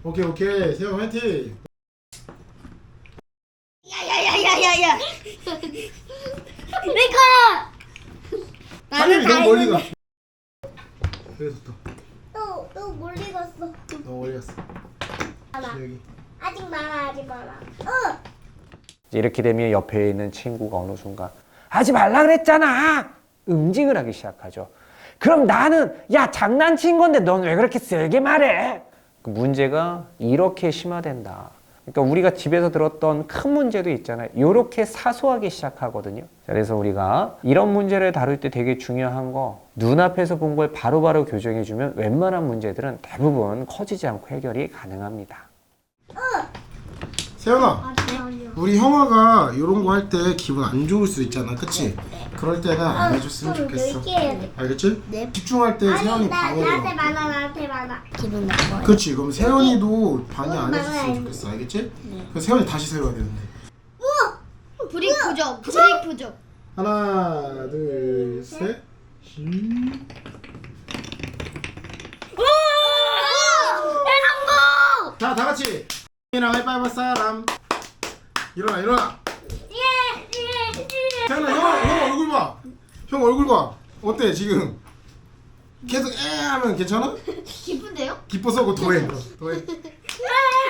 오케이. 세영 화이팅. 야야야야야야. 내 거야. 하늘이 너무 멀리 가. 그래 좋다. 또 멀리 갔어. 너무 멀리 갔어. 여기. 아직 많아. 이렇게 되면 옆에 있는 친구가 어느 순간 하지 말라 그랬잖아! 응징을 하기 시작하죠. 그럼 나는 야 장난친 건데 넌 왜 그렇게 세게 말해? 그 문제가 이렇게 심화된다. 그러니까 우리가 집에서 들었던 큰 문제도 있잖아요. 이렇게 사소하게 시작하거든요. 그래서 우리가 이런 문제를 다룰 때 되게 중요한 거 눈앞에서 본 걸 바로바로 교정해주면 웬만한 문제들은 대부분 커지지 않고 해결이 가능합니다. 세연아, 우리 형아가 이런 거 할 때 기분 안 좋을 수 있잖아, 그치? 그럴 때는 안 해줬으면 좋겠어. 알겠지? 네. 집중할 때 세연이 방해돼. 나한테 많아. 기분 나빠. 그렇지. 그럼 세연이도 방해 안 해줬으면 좋겠어, 알겠지? 그럼 세연이 다시 세워야 되는데. 브릭 부족. 하나, 둘, 셋. 성공! 자, 다 같이 형이랑 하이파이브 할 사람. 일어나. 세연아, 형 얼굴 봐. 형 얼굴 봐. 어때 지금? 계속 하면 괜찮아? 기쁜데요? 기뻐서 그거 더해.